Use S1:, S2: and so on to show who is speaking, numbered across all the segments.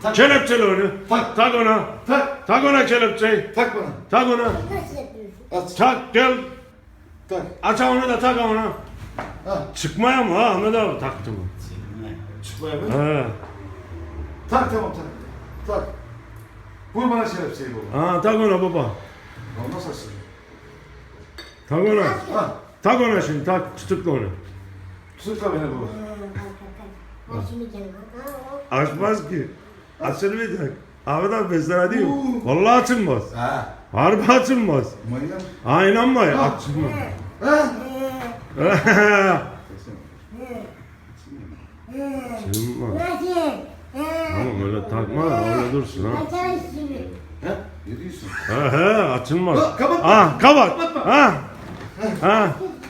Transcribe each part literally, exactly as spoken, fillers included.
S1: Tak.
S2: Kelepçeli onu.
S1: Tak.
S2: Tak ona.
S1: Tak.
S2: Tak ona kelepçeyi.
S1: Tak bana.
S2: Tak ona.
S3: Nasıl yapıyorsun?
S1: Aç.
S2: Tak gel.
S1: Tak.
S2: Aç onu da tak ona.
S1: Ha.
S2: Çıkmaya mı ha Ahmet abi taktı mı?
S1: Çıkmaya mı?
S2: He.
S1: Tak tamam tak. Tak. Vur bana şerefseyi baba.
S2: Ha tak ona baba.
S1: Olmaz aslında.
S2: Tak ona.
S1: Ha.
S2: Tak ona şimdi tak tutukla onu.
S1: Tutukla beni baba.
S3: Ben şimdi geldim.
S2: Açmaz ki. Açılmayacak. Ahmet abi ben sana diyeyim. Vallahi açılmaz.
S1: Ha.
S2: Harbi açılmaz.
S1: Manyak.
S2: Ha inanma ya
S1: Ha.
S2: açılmaz.
S1: Ha.
S2: Açılmaz.
S3: Nasıl?
S2: Tamam öyle takma öyle dursun ha.
S3: Açar şimdi.
S1: Ha. Ne diyorsun?
S2: He he açılmaz.
S1: Ha, kapat.
S2: Ha kapat.
S1: Kapatma.
S2: Ha. Ha.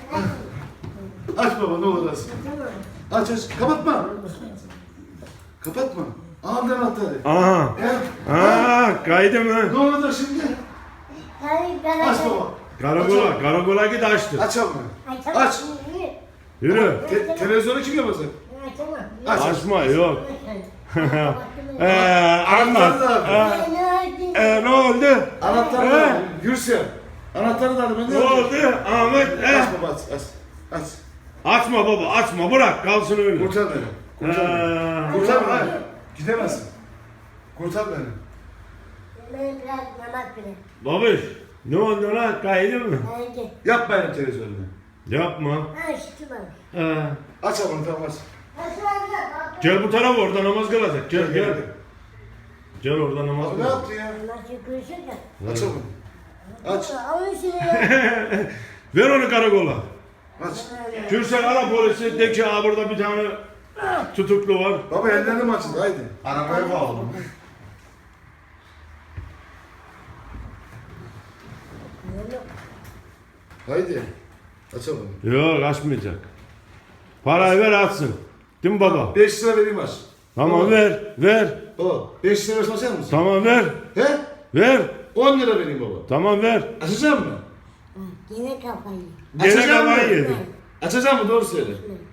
S1: Aç baba ne olur aç.
S3: Tamam.
S1: Aç aç. Kapatma. Kapatma. Ağamdan anahtarı.
S2: Aha.
S1: Ha.
S2: Ha kaydı mı?
S1: Ne olacak şimdi?
S3: Hayır, ben
S1: Aç baba.
S2: Karakola, karakola git açtır.
S1: Aç abi.
S3: Açamam.
S1: Aç.
S2: Yürü.
S1: Te televizyonu kim yapacak?
S3: Açamam.
S1: Aç.
S2: Açma yok.
S3: Açamam.
S2: Eee anlat.
S1: Anahtarı da
S2: Ee, e, ne oldu?
S1: Anahtarı da
S2: He?
S1: al. Gürsel. Anahtarı da al. Ben
S2: Ne oldu? Ahmet e?
S1: Aç baba aç aç. Aç.
S2: Açma baba açma bırak kalsın öyle.
S1: Kurtar beni. Kurtar beni.
S2: Ee,
S1: Kurtar beni. Gidemezsin. Kurtar beni.
S3: Ben biraz namaz kılayım.
S2: Babiş ne oldu lan kaydı mı?
S3: Hadi.
S1: Yap benim televizyonumu.
S2: Yapma.
S3: Ha, şişti bana.
S2: Ee,
S1: Aç abi tamam aç.
S3: Nasıl olacak?
S2: gel bu tarafa orada namaz kılacak. Gel gel. Gel orada namaz
S1: Abi ne
S2: kılacak.
S1: yaptı ya?
S3: Nasıl kırışır da?
S1: Aç abi. Aç.
S3: Alın şunu ya.
S2: Ver onu karakola.
S1: Aç.
S2: Kürsel ara polisi de ki "Aa, burada bir tane tutuklu var.
S1: Baba ellerini mi açın? Haydi.
S2: Arabaya bağladım.
S1: Haydi. Aç abi.
S2: Yok açmayacak. Parayı ver atsın. Değil mi baba?
S1: beş lira vereyim aç.
S2: Tamam
S1: Baba.
S2: ver ver.
S1: Baba beş lira versen açar mısın?
S2: Tamam ver.
S1: He?
S2: Ver.
S1: on lira vereyim baba.
S2: Tamam ver.
S1: Açacak mı?
S3: Yine kafayı.
S2: Gene
S1: Açacağım mı?
S2: kafayı yedi.
S1: Açacak mı? Doğru söyle.